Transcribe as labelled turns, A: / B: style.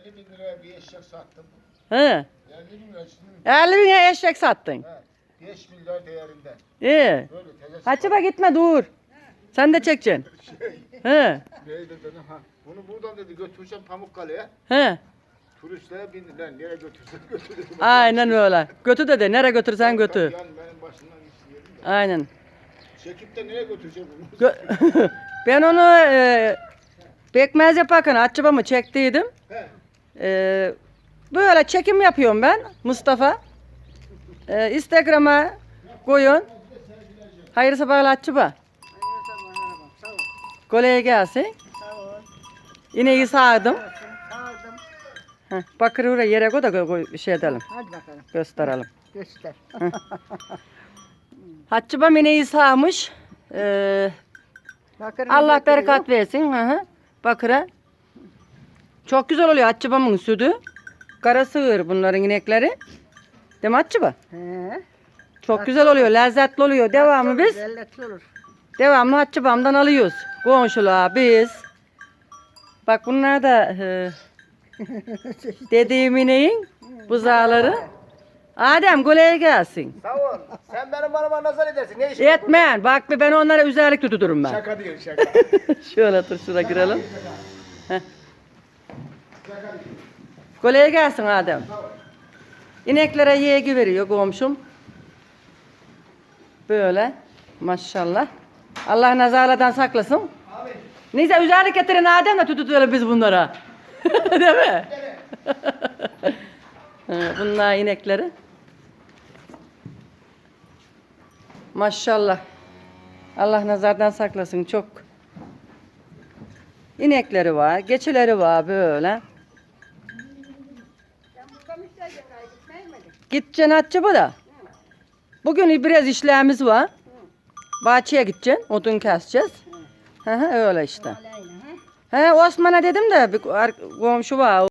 A: 50 bin liraya bir eşek sattım.
B: He.
A: 50 bin lira şimdi.
B: 50 bine eşek sattın.
A: He, 5 milyar değerinde.
B: İyi.
A: Böyle tezes.
B: Hatice gitme dur. Sen de çekeceksin. He.
A: Neydi dedi ha. Bunu buradan dedi götüreceğim Pamukkale'ye.
B: He.
A: Turistler bindiler. Nereye götürsen götür dedim.
B: Aynen öyle. Götü dedi. Nereye götürsen götür.
A: Yani benim başımdan gitsin dedim de.
B: Aynen.
A: Çekip de nereye götüreceğim bunu?
B: Ben onu pekmez yaparken açıbamı çektiydim.
A: He.
B: Böyle çekim yapıyorum ben Mustafa. Instagram'a koyun. Hayırlı sabahlar açıba. Kolay gelsin. İneği sağdım. Bakır oraya yere koy da bir şey edelim.
C: Hadi bakalım.
B: Gösterelim.
C: Göster.
B: Haccıbam ineği sağmış.
C: Bakırını
B: Allah
C: götürüyor.
B: bereket versin. Bakıra. Çok güzel oluyor Haccıbam'ın sütü. Kara sığır bunların inekleri. Değil mi Haccıba?
C: He.
B: Çok güzel oluyor, lezzetli oluyor. Devamı biz
C: Lezzetli olur.
B: devamlı Haccıbam'dan alıyoruz. Komşular biz. Bak bunlar da dediğim ineğin buzağları. Adem kolay gelsin.
A: Sağ ol. Sen benim bana nazar edersin. Ne işin?
B: Etmen. Bak ben onlara üzerlik tuturum ben.
A: Şaka değil şaka.
B: Şöyle otur şuraya girelim. Heh. Kolay gelsin Adem. İneklere yegi veriyor komşum. Böyle. Maşallah. Allah nazarlardan saklasın.
A: Abi.
B: Neyse üzerlik getirin Adem de tutuyoruz biz bunlara. Değil mi? Bunlar inekleri. Maşallah. Allah nazardan saklasın çok. İnekleri var, geçileri var böyle. Gideceksin Hatice da. Bugün biraz işlerimiz var. Bahçeye gideceksin, odun keseceğiz. Öyle işte. Osman'a dedim de bir komşu var.